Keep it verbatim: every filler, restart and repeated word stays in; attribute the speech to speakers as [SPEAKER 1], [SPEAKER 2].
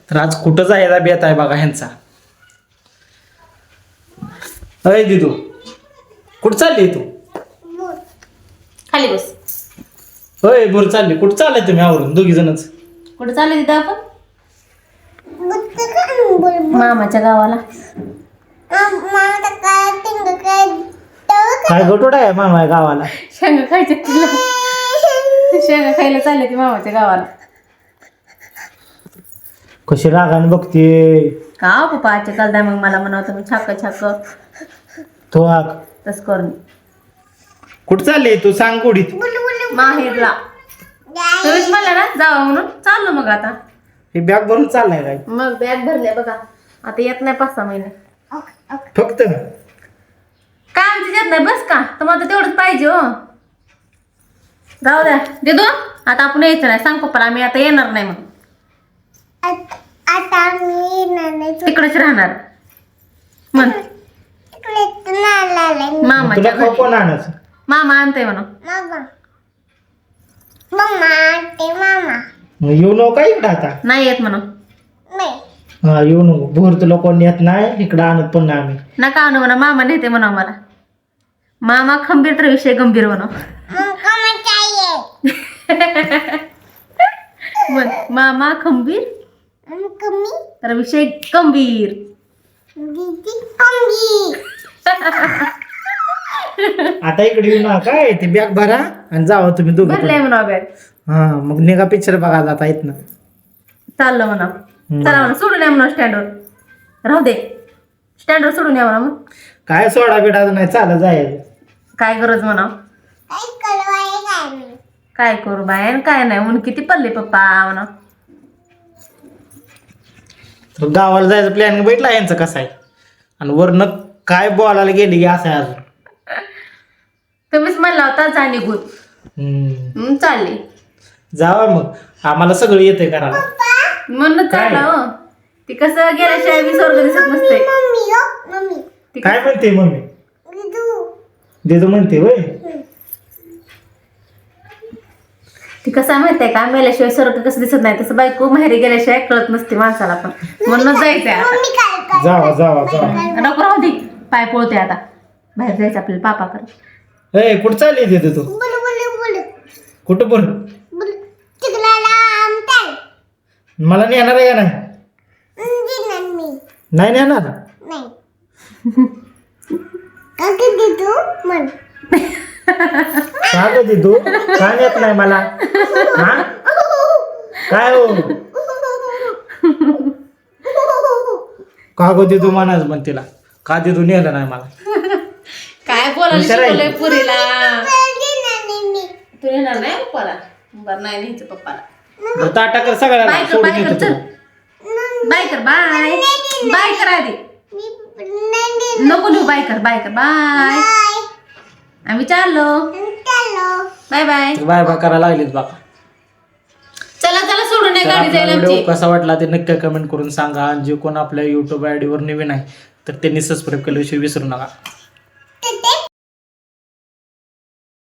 [SPEAKER 1] तर आज कुठं जायला बेत आहे बघा ह्यांचा. अय दिदू कुठं चालली तू?
[SPEAKER 2] खाली बस.
[SPEAKER 1] होय बोल चालली. कुठं चाललंय तुम्ही आवरून दोघी जणच?
[SPEAKER 2] कुठे चालले तिथं आपण? मामाच्या गावाला.
[SPEAKER 1] काय गटोड आहे मामा गावाला?
[SPEAKER 2] शेंगा खायचे तिला. शेंगा खायला चालले ती मामाच्या गावाला.
[SPEAKER 1] कशी रागाने बघते
[SPEAKER 2] का पप्पा आजच्या काल द्या मग मला म्हणावं तुम्ही छाक छाक
[SPEAKER 1] तो आग.
[SPEAKER 2] तस करून.
[SPEAKER 1] कुठं चालली तू सांग कुठीत?
[SPEAKER 2] माहेरला. तुम्हीच म्हणला ना जावा म्हणून चाललो मग आता.
[SPEAKER 1] हे बॅग भरून चाललाय काय?
[SPEAKER 2] मग बॅग भरले बघा. आता येत नाही पाच सहा महिने.
[SPEAKER 1] फक्त
[SPEAKER 2] काय आमची येत नाही बस का तुम्हाला तेवढंच पाहिजे हो. राहू द्या देतो आता आपण यायचं नाही. सांग पप्पाला आम्ही आता येणार नाही मग.
[SPEAKER 3] आता मी येणार नाही.
[SPEAKER 2] तिकडेच राहणार म्हण. मामाच्या
[SPEAKER 1] तुला खाऊ
[SPEAKER 2] घरी.
[SPEAKER 1] कोण आणायचं?
[SPEAKER 2] मामा आणतोय म्हणा.
[SPEAKER 3] मामा मम्मा ते मामा
[SPEAKER 1] मग येऊ नको का इकडं आता?
[SPEAKER 2] नाही येत म्हणा.
[SPEAKER 3] नाही
[SPEAKER 1] हा येऊ नको. भोर तुला कोण येत नाही इकडं आणत पण नाही आम्ही.
[SPEAKER 2] नका आणू म्हणा. मामा नेते म्हणा मला. मामा खंबीर तर विषय गंभीर म्हणा.
[SPEAKER 3] हमको मत चाहिए.
[SPEAKER 2] म्हण मामा खंबीर
[SPEAKER 3] हमको मी
[SPEAKER 2] तर विषय गंभीर.
[SPEAKER 3] दीदी कंगी.
[SPEAKER 1] आता इकडे येऊ नका. काय ते बॅग भरा आणि जावा तुम्ही दोघं
[SPEAKER 2] भरलंय
[SPEAKER 1] पण.
[SPEAKER 2] म्हणा बॅग.
[SPEAKER 1] हा मग निघा पिक्चर बघा जाता येत ना.
[SPEAKER 2] चाललं म्हणा. चला म्हणा सोडून या म्हणा स्टँडवर. राहू दे स्टँडवर सोडून या म्हणा. मग
[SPEAKER 1] काय सोडा बिडा नाही चालत जायचं.
[SPEAKER 2] काय गरज म्हणा.
[SPEAKER 3] काय करवाय काय मी.
[SPEAKER 2] काय करू बाय आणि काय नाही ऊन किती पडले पप्पा म्हणा.
[SPEAKER 1] तर गावाला जायचं प्लॅन भेटला यांचं कसं आहे. आणि वरनं काय बोलायला गेली की असं आहे अजून.
[SPEAKER 2] तुम्हीच म्हणला होता जा निघून.
[SPEAKER 1] हम्म.
[SPEAKER 2] म्हणून चालली.
[SPEAKER 1] जावा मग आम्हाला सगळं येतंय करायला.
[SPEAKER 2] म्हणूनच
[SPEAKER 1] काय?
[SPEAKER 2] चालला हो. ती कसं गेल्याशिवाय मी स्वर्ग दिसत नसते.
[SPEAKER 3] मम्मी हो मम्मी
[SPEAKER 2] ती
[SPEAKER 1] काय म्हणते मम्मी?
[SPEAKER 3] दीदू
[SPEAKER 1] देतो म्हणते वय.
[SPEAKER 2] ती कसं आहे माहितीये का मेल्याशिवाय स्वर्ग कसं दिसत नाही तसं बायको माहेरी गेल्याशिवाय कळत नसते माणसाला पण. म्हणूनच जायचंय आता.
[SPEAKER 3] मम्मी काय काय
[SPEAKER 1] जावा जावा जावा.
[SPEAKER 2] नको राहू दे. पाय पोळते आता. बाहेर जायचं आपल्याला पापाकडे.
[SPEAKER 1] ए कुठं चालली देते तू?
[SPEAKER 3] बुल बुल बुल
[SPEAKER 1] कुठं बोल?
[SPEAKER 3] बुल चिकलाला आमताल
[SPEAKER 1] मला नेणार आहे का नाही?
[SPEAKER 3] दिnan मी
[SPEAKER 1] नाही नेणार.
[SPEAKER 3] नाही काय दीदू म्हण.
[SPEAKER 1] का गं तू का नेत नाही मला? हा काय हो का गं तू म्हणाच पण तिला का तू नेलं नाही मला?
[SPEAKER 2] काय बोलायला
[SPEAKER 1] हुशार आहे.
[SPEAKER 2] शिकवलंय पुरीला.
[SPEAKER 3] दिnan मी
[SPEAKER 2] तू येणार नाही पप्पाला. बरं नाही न्यायचं पप्पाला.
[SPEAKER 1] बरं, ताटा कर सगळ्याला
[SPEAKER 2] बाय कर
[SPEAKER 1] सोडून
[SPEAKER 2] बाय कर
[SPEAKER 1] येतो
[SPEAKER 2] चल.
[SPEAKER 1] तुला.
[SPEAKER 2] बाय कर बाय. बाय कर आधी.
[SPEAKER 3] मी नाही
[SPEAKER 2] नको नेऊ. बाय कर बाय कर बाय.
[SPEAKER 3] बाय
[SPEAKER 2] आम्ही चाललो.
[SPEAKER 3] चलो
[SPEAKER 2] बाय बाय.
[SPEAKER 1] बाय बाय करायला लागलीत बघा.
[SPEAKER 2] चला चला सोडून नाही
[SPEAKER 1] तर
[SPEAKER 2] गाडी
[SPEAKER 1] आपला
[SPEAKER 2] जायला
[SPEAKER 1] व्हिडिओ
[SPEAKER 2] आमची.
[SPEAKER 1] कसा वाटला ते नक्की कमेंट करून सांगा. आणि जे कोण आपल्या युट्यूब आयडीवर नवीन आहे तर त्यांनी सबस्क्राईब केल्याविषयी विसरू नका.
[SPEAKER 3] ते